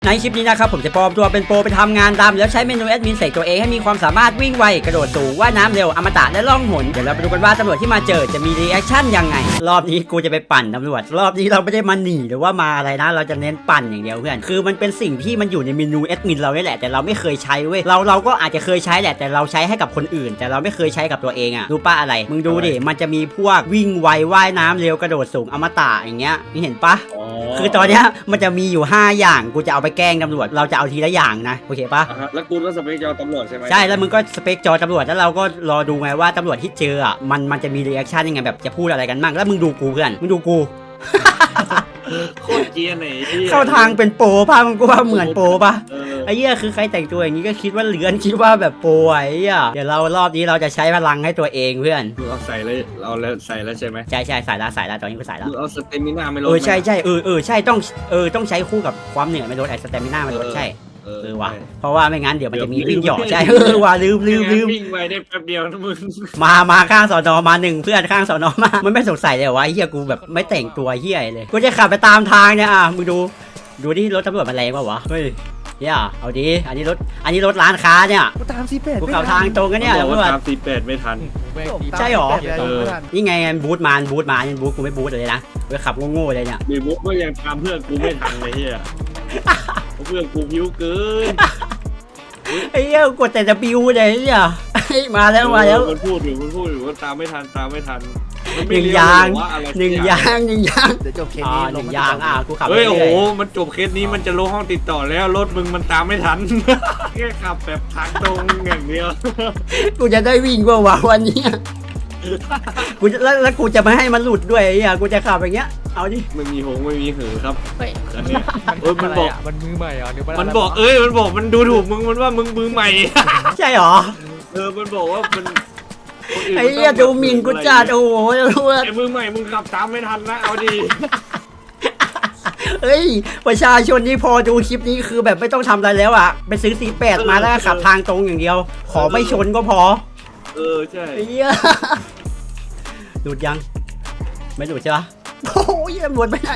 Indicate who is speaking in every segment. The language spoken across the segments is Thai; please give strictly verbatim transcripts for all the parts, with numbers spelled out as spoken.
Speaker 1: ในคลิปนี้นะครับผมจะปลอมตัวเป็นโปรไปทำงานดำแล้วใช้เมนูแอดมินเสกตัวเองให้มีความสามารถวิ่งไวกระโดดสูงว่ายน้ำเร็วอมตะและล่องหนเดี๋ยวเราไปดูกันว่าตำรวจที่มาเจอจะมีรีแอคชั่นยังไงรอบนี้กูจะไปปั่นตำรวจรอบนี้เราไม่ได้มาหนีหรือว่ามาอะไรนะเราจะเน้นปั่นอย่างเดียวเพื่อนคือมันเป็นสิ่งที่มันอยู่ในเมนูแอดมินเราเนี่ยแหละแต่เราไม่เคยใช้เว้ยเราเราก็อาจจะเคยใช้แหละแต่เราใช้ให้กับคนอื่นแต่เราไม่เคยใช้กับตัวเองอะรู้ป่ะอะไรมึงดูดิมันจะมีพวกวิ่งไวว่ายน้ำเร็วกระโดดสูงอมตะอย่างเงี้ยนี่เห็นปะคือตอนเนี้ยมันจะมีอยู่ห้าอย่างกูจะเอาไปแกล้งตำรวจเราจะเอาทีละอย่างนะโอเคปะ
Speaker 2: แล้วกูก็สเปคจอตำรวจใช่ไหม
Speaker 1: ใช่แล้วมึงก็สเปคจอตำรวจแล้วเราก็รอดูไงว่าตำรวจที่เจออ่ะมันมันจะมีรีแอคชั่นยังไงแบบจะพูดอะไรกันบ้างแล้วมึงดูกูเพื่อนมึงดูกู
Speaker 2: โคตรเกียร์ไหน
Speaker 1: เข้าทางเป็นโปรป่ะมึงก็ว่าเหมือนโปรป่ะไอ้เหี้ยคือใครแต่งตัวอย่างนี้ก็คิดว่าเลือนคิดว่าแบบโปรไอ้เหี้ยเดี๋ยวเรารอบนี้เราจะใช้พลังให้ตัวเองเพื่อน
Speaker 2: เราใส่แล้วเราแล้วใส่แล้วใช่ไหม
Speaker 1: ใช่ใช่ใส่แล้วใส่แล้วตอนนี้กูใส่แล้ว
Speaker 2: เอาสเตมิน่าไม่ลด
Speaker 1: เออใช่ใช่เออเออใช่ต้องเออต้องใช้คู่กับความเหนื่อยไม่ลดไอ้สเตมิน่าไม่ลดใช่เออว่ะเพราะว่าไม่งั้นเดี๋ยวมันจะมีวิ่งหยอกใช่เออว่ะลืมลืมลืม
Speaker 2: วิ่งไปได้แป๊บเดียวนะมึง
Speaker 1: มามาข้างสอนอมาหนึ่งเพื่อนข้างสอนอมามันไม่สงสัยเลยว่าเฮียกูแบบไม่แต่งตัวเฮียเลยกูจะขับไปตามทางเนี่ยอ่ะมึงดูดูที่รถตำรวจมันแรงป่ะวะเฮ้ยเฮียเอาดิอันนี้รถอันนี้รถร้านค้าเนี่ย
Speaker 3: กูตามซีเป็ด
Speaker 1: กูขับทางตรงกันเนี่ย
Speaker 2: ตำรวจตามซีเป็ดไม่ทัน
Speaker 1: ใช่หรอนี่ไงบูทมาบูทมาบูทกูไม่บูทเลยนะกูขับโง่ๆเลยเนี่ย
Speaker 2: มีบูทก็ยังตามเพื่อนกูไม่ทันเลยเฮียเพื่อนกูพิ้วเกิน
Speaker 1: ไอ้เหี้ยกดแต่จะบิวเลยเนี่ยมาแล้วมาแล้ว
Speaker 2: มันพูดอยู่มันพูดอยู่ว่าตามไม่ทันตามไม่ทัน
Speaker 1: หนึ่งยางหนึ่งยางหนึ่งยาง
Speaker 3: เดี๋ยวจบเคสนี้
Speaker 1: หนึ่งยางอ่ะกูขับ
Speaker 2: เฮ้ยโอ้โหมันจบเคสนี้มันจะลงห้องติดต่อแล้วรถมึงมันตามไม่ทันแค่ขับแบบทางตรงอย่างเดียว
Speaker 1: กูจะได้วิ่งว่าวะวันนี้กูจะแล้วแล้วกูจะไม่ให้มันหลุดด้วยไอ้เหี้ยกูจะขับอย่างเงี้ยเอาดิ
Speaker 2: ไม่มีหงไม่มีหือครับ
Speaker 3: เฮ้ย
Speaker 2: เออมันบอก
Speaker 3: มันมือใหม่เหรอ
Speaker 2: มันบอกเอ้ยมันบอกมันดูถูกมึงมันว่ามึงมือใหม่
Speaker 1: ใช่หรอ
Speaker 2: เออมันบอกว่ามัน
Speaker 1: ไอ้เหี้ยดูหมิ่นกูจัดโอ้โห
Speaker 2: ไอ้มือใหม่มึงขับตามไม่ทันนะเอาดี
Speaker 1: เฮ้ยประชาชนนี่พอดูคลิปนี้คือแบบไม่ต้องทำอะไรแล้วอ่ะไปซื้อซีแปดมาแล้วขับทางตรงอย่างเดียวขอไม่ชนก็พอ
Speaker 2: เออใช่
Speaker 1: ไอ้เหี้ยหลุดยังไม่หลุดใช่ปะโอ้ยหลุดไปไหน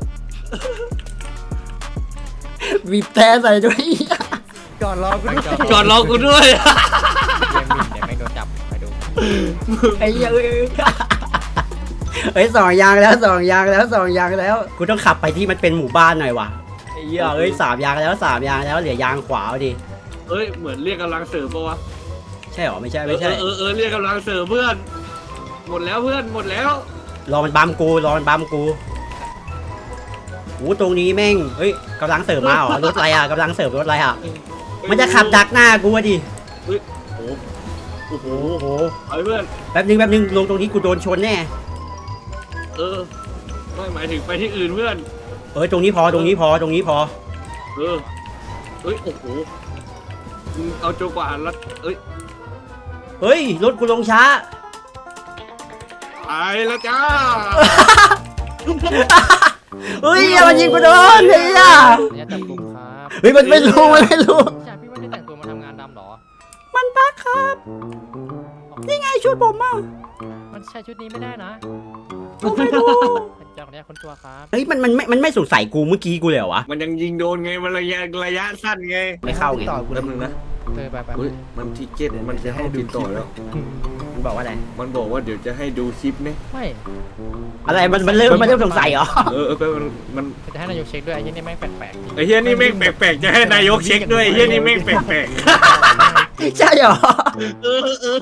Speaker 1: บีบแต่ใส่ด้วย
Speaker 3: จอดรอกูด้วย
Speaker 2: จอดรอกูด้วย
Speaker 3: ยังไม่โดนจับไปดู
Speaker 1: ไอ้เหี้ยเฮ้ยสองยางแล้วสองยางแล้วสองยางแล้วกูต้องขับไปที่มันเป็นหมู่บ้านหน่อยว่ะไอ้เหี้ยเอ้ยสามยางแล้วสามยางแล้วเหลือยางขวาดิ
Speaker 2: เอ้ยเหมือนเรียกกำลังเสริมปะวะ
Speaker 1: ใช่หรอไม่ใช่ไม่ใช่
Speaker 2: เออเออเรียกกำลังเสริมเพื่อนหมดแล้วเพื่อนหมดแล้ว
Speaker 1: รอมันบัมกูรอมันบัมกูโอ้ตรงนี้แม่งเฮ้ยกำลังเสริมมาเหรอรถอะไรอ่ะกำลังเสริมรถอะไรอ่ะมันจะขับดักหน้ากูดิ
Speaker 2: เฮ้ยโอ้โอ้โหโอ้โหไอ้เพื่อน
Speaker 1: แป๊บนึงแป๊บนึงลงตรงนี้กูโดนชนแน่
Speaker 2: เออไม่หมายถึงไปที่อื่นเพื่อน
Speaker 1: เออตรงนี้พอตรงนี้พอตรงนี้พอ
Speaker 2: เออเฮ้ยโอ้โหเอาโจกว่าแล้วเอ้ย
Speaker 1: เฮ้ยรถกูลงช้า
Speaker 2: ไปแล้วจ้า
Speaker 1: เฮ้ยมันยิงกูโดนเฮ้ยอ่ะเฮ้ยมันไม่รู้มันไม่รู้
Speaker 3: ใช่พี่ไม่ได้แต่งตัวมาทำงานดำหรอ
Speaker 1: มันปักครับนี่ไงชุดผมอ่ะ
Speaker 3: มันใช่ชุดนี้ไม่ได้นะ
Speaker 1: ผมไม่รู้
Speaker 3: จากนี้คนตัวครับ
Speaker 1: เฮ้ยมันมันไม่มันไม่สงสัยกูเมื่อกี้กูเลยเหรอวะ
Speaker 2: มันยังยิงโดนไงมันระยะระยะสั้นไง
Speaker 1: ไม่เข้าไง
Speaker 3: ต่อกู
Speaker 2: แป๊บนึงนะ
Speaker 3: เออไปไป
Speaker 2: มันทิเก็ตมันจะให้ดูต่อแล้ว
Speaker 1: มันบอกว่าอะไร
Speaker 2: มันบอกว่าเดี๋ยวจะให้ดูคลิปนี่
Speaker 3: ไม่
Speaker 1: อะไรมันมันเริ่มมันเริ่มสงสัยเหรอ
Speaker 2: เออเออมันมัน
Speaker 3: จะให้นายกเช็คด้วยไอ้ยี่นี่แม่งแปลก
Speaker 2: ๆไอ้เฮียนี่แม่งแปลกๆจะให้นายกเช็คด้วยไอ้เฮียนี่แม่งแปลก
Speaker 1: ๆใช่เหรอ
Speaker 2: เออเออ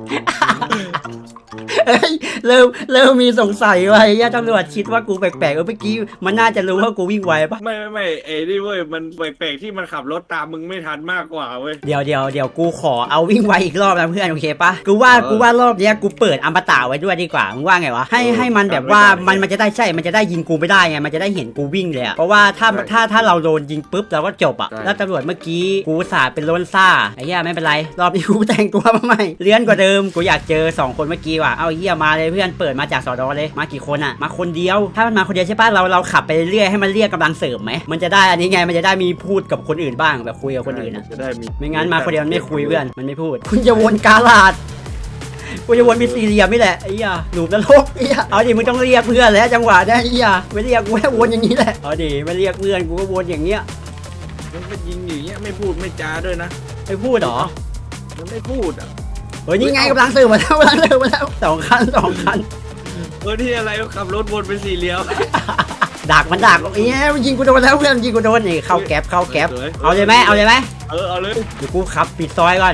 Speaker 1: เฮ้ยเริ่มเริ่มมีสงสัยว่าไอ้ตำรวจคิดว่ากูแปลกๆเออเมื่อกี้มันน่าจะรู้ว่ากูวิ่งไวปะ
Speaker 2: ไม่ไม่ไม่เอ้นี่เว้ยมันแปลกๆที่มันขับรถตามมึงไม่ทันมากกว่าเว้ย
Speaker 1: เดี๋ยวเดี๋ยวเดี๋ยวกูขอเอาวิ่งไวอีกรอบนะเพื่อนโอเคปะกูว่ากูว่ารอบเนี้ยกูเปิดอมตะไว้ด้วยดีกว่ามึงว่าไงวะให้ให้มันแบบว่ามันมันจะได้ใช่มันจะได้ยิงกูไม่ได้ไงมันจะได้เห็นกูวิ่งเลยอะเพราะว่าถ้าถ้าถ้าเราโดนยิงปุ๊บเราก็จบอะแล้วตำรวจเมื่อกี้กูสาดเป็นล้นซ่าไอ้เหี้ยไม่เป็นไรรอบนี้กูแต่งตัวมาใหม่เลี้ยนกว่าเดิมกูอยากเจอสองคนเมื่อกี้ว่ะเอาเหี้ยมาเลยเพื่อนเปิดมาจากสอดอเลยมากี่คนอะมาคนเดียวถ้ามันมาคนเดียวใช่ป่ะเราเราขับไปเรื่อยให้มันเรียกกำลังเสริมไหมมันจะได้อันนี้ไงมันจะได้มีพูดกับคนอื่นบ้างแบบคุยกับคนอื่นอะไม่งั้นมาคนเดียวมันไม่คุยเพื่อนมันไม่พูดคุณจะวนกาลาดกูจะวนมีสี่เหลี่ยมนี่แหละไอ้ยาหลุมนรกไอ้ยาเอาดิมึงต้องเรียกเพื่อนแล้วจังหวะได้ไอ้ยาไม่เรียกกูแค่วนอย่างนี้แหละเอาดิไม่เรียกเพื่อนกูก็วนอย่างเงี้ย
Speaker 2: มันก็ยิงอย่างเงี้ยไม่พูดไม่จาด้วยนะ
Speaker 1: ไม่พูดเหรอ
Speaker 2: มันไม่พูดอ่ะ
Speaker 1: เฮ้ยนี่ไงกำลังสื่อมาแล้วกำลังสื่อมาแล้วสองคันสองคัน
Speaker 2: เออที่อะไรขับรถวนเป็นสี่เหลี่ยม
Speaker 1: ดักมันดักเอ้ยมันยิงกูโดนแล้วเพื่อนยิงกูโดนนี่เข้าแก๊ปเข้าแก๊ปเอาเลยไหมเอาเลยไหม
Speaker 2: เออเอาเลย
Speaker 1: เดี๋ยวกูขับปิดซอยก่อน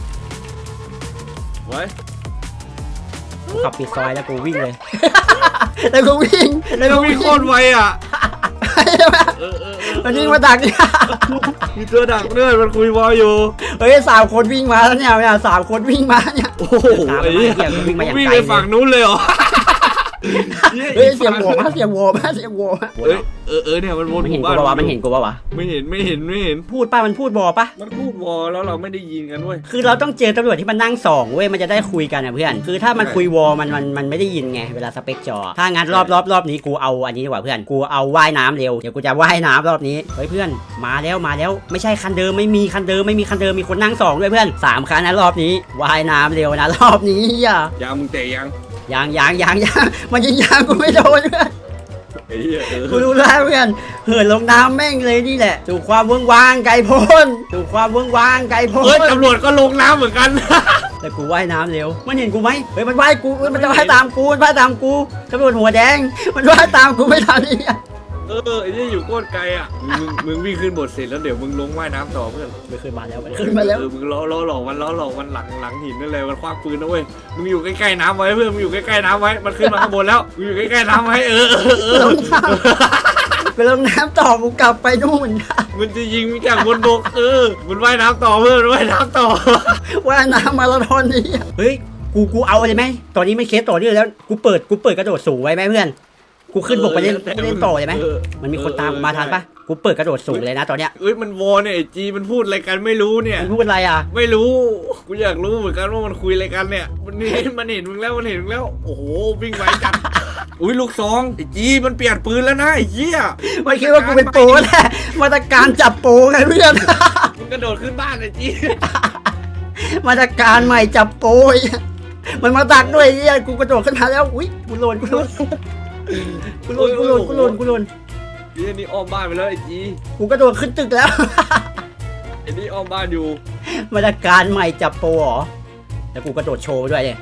Speaker 2: ไว้
Speaker 1: กูขับปิดซอยแล้วกูวิ่งเลย แล้วกูวิ่งแล้วกู
Speaker 2: วิ่
Speaker 1: วิ่
Speaker 2: ง
Speaker 1: ง
Speaker 2: โคตรไวอ่ะเออเออ
Speaker 1: มันวิ่งมาดักเนี่ย
Speaker 2: มีตัวดักด้วยมันคุยวอลอยู่
Speaker 1: เฮ้ยสามคนวิ่งมาแล้วเนี่ยเนี่ยสามคนวิ่งมาเนี่ย
Speaker 2: โอ้โหไอ้เหี้ย
Speaker 1: วิ่งมาอย่างไกล
Speaker 2: วิ่งไปฝั่งนู้นเลยเหรอ
Speaker 1: เฮ้ยเสียงโหวมาเสียงโหวมาเสียงโหวมา
Speaker 2: เออเออเออเนี่ยมันวน
Speaker 1: มัน
Speaker 2: ห
Speaker 1: เห็น
Speaker 2: มู่
Speaker 1: กู
Speaker 2: บ้าน
Speaker 1: ปะวะมันเห็นกูปะวะ
Speaker 2: ไม่เห็นไม่เห็นไม่เห็น
Speaker 1: พูดป่ะมันพูดบอป่ะ
Speaker 2: มันพูดวอลแล้วเราไม่ได้ยินกันเว้ย
Speaker 1: คือเราต้องเจอตำรวจที่มันนั่งสองเว้ยมันจะได้คุยกันนะเพื่อนคือถ้ามันคุยวอมันมันมันไม่ได้ยินไงเวลาสเปกจอถ้างั้นรอบรอบรอบนี้กูเอาอันนี้ดีกว่าเพื่อนกูเอาว่ายน้ำเร็วเดี๋ยวกูจะว่ายน้ำรอบนี้เฮ้ยเพื่อนมาแล้วมาแล้วไม่ใช่คันเดิมไม่มีคันเดิมไม่มีคันเดิมมีคนนั่งสองด้วยเพื่อนสามคันนะรอบนี้ว่ายน้ำเร็วนะรอบนี้อ่ะ
Speaker 2: ยางมึงเตะยัง
Speaker 1: ยางยางยางยางมันยิงยางกูไม่โดนเพื่อน
Speaker 2: ไอ้เหี้ยเออ
Speaker 1: กูรู้แล้วเพื่อนเหินลงน้ำแม่งเลยนี่แหละสู่ความเวิ้งว้างไกลโพ้นสู่ความเวิ้งว้างไกลโพ้
Speaker 2: เฮ้ย
Speaker 1: น
Speaker 2: ตำรวจก็ลงน้ำเหมือนกัน
Speaker 1: แต่กูว่ายน้ำเร็วมันเห็นกูไหมเฮ้ยมันว่ายกูเฮ้ยมันจะว่ายตามกูมันว่ายตามกูตำรวจหัวแดงมันว่ายตามกูไม่ทันนี่
Speaker 2: เออไอ้นี่อยู่โคตรไกลอ่ะมึงมึงวิ่งขึ้นบทเสร็จแล้วเดี๋ยวมึงลงว่ายน้ำต่อเพื่อน
Speaker 1: ไม่ขึ้นมาแล้วมันขึ้นมาแล้ว
Speaker 2: เออมึงล้อล้อหลอกมันล้อหลอกมันหลังหลังหินนั่นเลยมันคว้าปืนนะเว้ยมึงอยู่ใกล้ๆน้ำไว้เพื่อนมึงอยู่ใกล้ๆน้ำไว้มันขึ้นมาข้างบนแล้วมึงอยู่ใกล้ๆน้ำไว้เออเออเออ
Speaker 1: ลงน้ำไปลงน้ำต่อกูกลับไปนู่น
Speaker 2: มันจะยิงมึงจากบนบกเออมันว่ายน้ำต่อเพื่อนมันว่ายน้ำต่อ
Speaker 1: ว่ายน้ำมาราธอนนี่เฮ้ยกูกูเอาเลยไหมตอนนี้ไม่เคสต่อเนื่องแล้วกูเปิดกูเปิดกระโดดสูงไว้ไหมเพื่อนกูขึ้นบกไปเล่นเล่นต่อเลยไหมมันมีคนตามกูมาทันปะกูเปิดกระโดดสูงเลยนะตอนเนี้ย
Speaker 2: เอ้ยมันวอเนี่ยไอ้จีมันพูดอะไรกันไม่รู้เนี่ย
Speaker 1: มันพูดอะไรอ่ะ
Speaker 2: ไม่รู้กูอยากรู้เหมือนกันว่ามันคุยอะไรกันเนี่ยมันนี่มันเห็นมึงแล้วมันเห็นมึงแล้วโอ้โหวิ่งไวจัดอุ้ยลูกซองไอ้จีมันเปลี่ยนปืนแล้วนะไอ้เหี้ย
Speaker 1: มันคิดว่ากูเป็นโปรแหละมาตรการจับโปรไงเพื่อน
Speaker 2: มึงกระโดดขึ้นบ้านไอ้จี
Speaker 1: มาตรการใหม่จับโปรยมันมาดักด้วยเฮียกูกระโดดขึ้นมาแล้วอุ้ยกูโลนกูโลนกูโลนกูโลนกูโลนกูโลน
Speaker 2: ไอ้นี่อ้อมบ้านไปแล้วไอ้จี
Speaker 1: กูกระโดดขึ้นตึกแล้ว
Speaker 2: ไอ้นี่อ้อมบ้านอยู่
Speaker 1: มาตรการใหม่จับโปรเหรอแล้วกูกระโดดโชว์ไปด้วยเนี่ย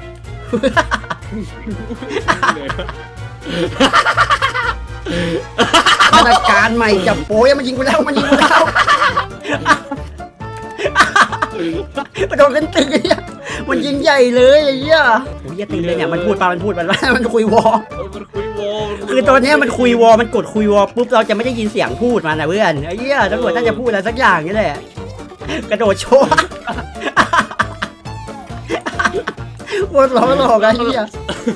Speaker 1: มาตรการใหม่จับโปรยังมันยิงกูแล้วมันยิงกูแล้วกระโดดขึ้นตึกเนี่ยมันยิงใหญ่เลยไอ้เหี้ยโอ้ยตึงเลยเนี่ยมันพูดปามันพูดมันว่ามันคุยวอ
Speaker 2: เออมันคุยวอล
Speaker 1: คือตอนนี้มันคุยวอมันกดคุยวอปุ๊บเราจะไม่ได้ยินเสียงพูดมันนะเพื่อนไอ้เหี้ยตำรวจน่าจะพูดอะไรสักอย่างนี่แหละกระโดดโชว์โคตรล้อหลอกไอ้เหี้ย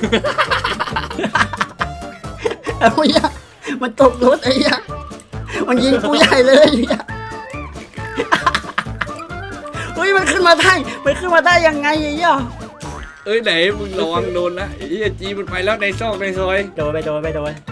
Speaker 1: ไอ้เหี้ยมันตกรถไอ้เหี้ยมันยิงกูใหญ่เลยไอ้เหี้ยเฮ้ยมันขึ้นมาได้มันขึ้นมาได้ยังไงไอ้เหี้ย
Speaker 2: เอ้ยไหนมึงระวังโดนนะไอ้เหี้ยจีมันไปแล้วในซอกในซอย
Speaker 1: โดนไปโดนไปโดน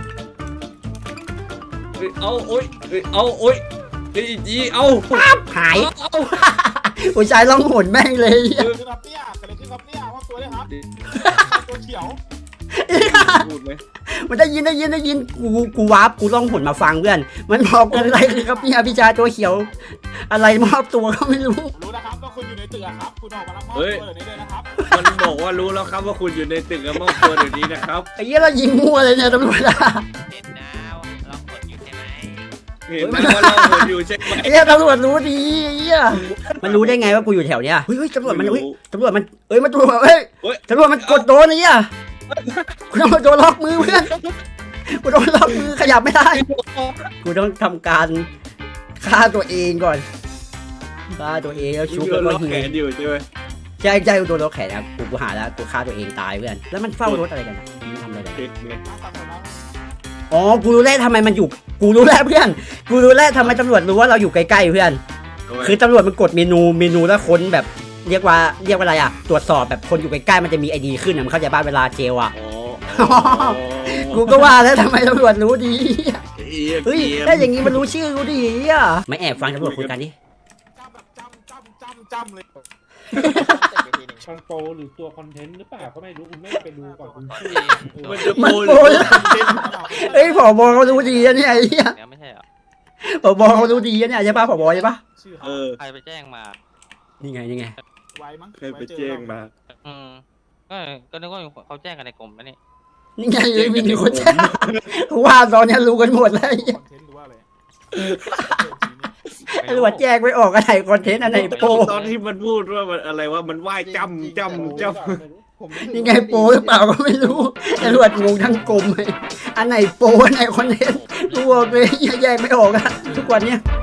Speaker 2: เอ้ยเอาโอ้ยเอ้ยเอาโอ้ยไอ้จีเอา
Speaker 1: หาย
Speaker 2: เอา
Speaker 1: ผู้ชายร้องโหนแม่งเลยไอ้เหี้ย
Speaker 4: คือครับเนี่ยกระเด็นขึ้นครับเนี่ยว่าตัวเลยครับตัวเขียว
Speaker 2: พูดไหม
Speaker 1: มันได้ยินได้ยินได้ยินกูกูวาร์ปกูร้องผลมาฟังเพื่อนมันบอกอะไรครับพี่พี่ชายตัวเขียว อะไรมอบตัวก็ไม่รู้
Speaker 4: รู้นะครับว่าคุณอยู่ในตึกอะครับ คุณออกมารับมอบตัวเดี๋ยวนี้เลยนะครับ
Speaker 2: มันบอกว่ารู้แล้วครับว่าคุณอยู่ในตึกกับมอบตัวเดี๋ยวนี้นะครับ
Speaker 1: ไอ้เหี้ยเรายิงมั่วเลยเนี่ยตำรวจอะ
Speaker 5: เจ็ดดาวลองกดอยู่ใช่ไหม
Speaker 2: เห็นไหมว่าเราหมดอยู่ใช่ไหม
Speaker 1: ไอ้เหี้ยตำรวจรู้ดีไอ้เหี้ยมันรู้ได้ไงว่ากูอยู่แถวเนี้ยเฮ้ยเฮ้ยตำรวจมันเฮ้ยตำรวจมันเอ้ยมันตำรวจเฮ้ยตำรวจมันกดโดนไอ้เหี้ยกูต้องโดนล็อกมือเพื่อนกูโดนล็อกมือขยับไม่ได้กูต้องทำการฆ่าตัวเองก่อนฆ่าตัวเองแล้วชุบ
Speaker 2: โด
Speaker 1: แล้ว
Speaker 2: น
Speaker 1: ก็
Speaker 2: ล็อก
Speaker 1: หิ
Speaker 2: แข
Speaker 1: วน
Speaker 2: อยู่ใช่ไหม
Speaker 1: ใช่ใช่โดนล็อกแขนครับกูกูหาแล้วกูฆ่าตัวเองตายเพื่อนแล้วมันเฝ้ารถอะไรกันอะมันทำอะไรกัน
Speaker 2: เด็กไง
Speaker 1: อ๋อกูรู้แล้วทำไมมันอยู่กูรู้แล้วเพื่อนกูรู้แล้วทำไมตำรวจรู้ว่าเราอยู่ใกล้ๆเพื่อนคือตำรวจมันกดเมนูเมนูแล้วค้นแบบเรียกว่าเรียกว่าอะไรอ่ะตรวจสอบแบบคนอยู่ใกล้ๆมันจะมีไอดีขึ้นนะมันเข้าใจบ้านเวลาเจลอ่ะ
Speaker 2: อ๋อ
Speaker 1: กูก็ว่าแล้วทำไมตำรวจรู้ดี
Speaker 2: เฮ้
Speaker 1: เฮ้ยถ้าอย่างงี้มันรู้ชื่อกูดีอ่ะไม่แอบฟังตำรวจคุยกันดิ
Speaker 4: จำแบบจำจำจำจำเลย
Speaker 6: คอนโทรหรือตัวคอนเทนต์หรือเปล่าก็ไม่รู้คุณไม่ไปดูก่อนคุณชื่อ
Speaker 2: มันจะ
Speaker 1: มัน
Speaker 2: โปร
Speaker 1: โปร
Speaker 2: หรือ
Speaker 1: เฮ้ยผบเขารู้ดีนะเนี่ยไอ้เหี้ย
Speaker 5: แล้วไม่ใช่เหรอ
Speaker 1: ผบเขารู้ดีนะเนี่ยใช่ปะผบใช่ปะ
Speaker 4: ชื่อ
Speaker 2: เออ
Speaker 5: ใครไปแจ้งมา
Speaker 1: นี่ไงนี่ไง
Speaker 4: ไว้มั้ง
Speaker 2: ใครไปแจ้งมา
Speaker 5: อืมก็ก็นึกว่าเขาแจ้งกันในกลุ่มนะนี่
Speaker 1: นี่ไงเลยมีคนแจ้งว่าตอนนี้รู้กันหมดแล้ว
Speaker 4: คอนเทนต์หรือว่าอะไร
Speaker 1: ตำรวจแจ้งไม่ออกอันไหนคอนเทนต์อันไหนโป
Speaker 2: ตอนที่มันพูดว่ามันอะไรว่ามันว่ายจำจำจำ
Speaker 6: ผมม่
Speaker 1: นี่ไงโปหรือเปล่าก็ไม่รู้ตำรวจงงทั้งกลมเลยอันไหนโปอันไหนคอนเทนต์กูบอกเลยแยกไม่ออกอะทุกวันเนี้ย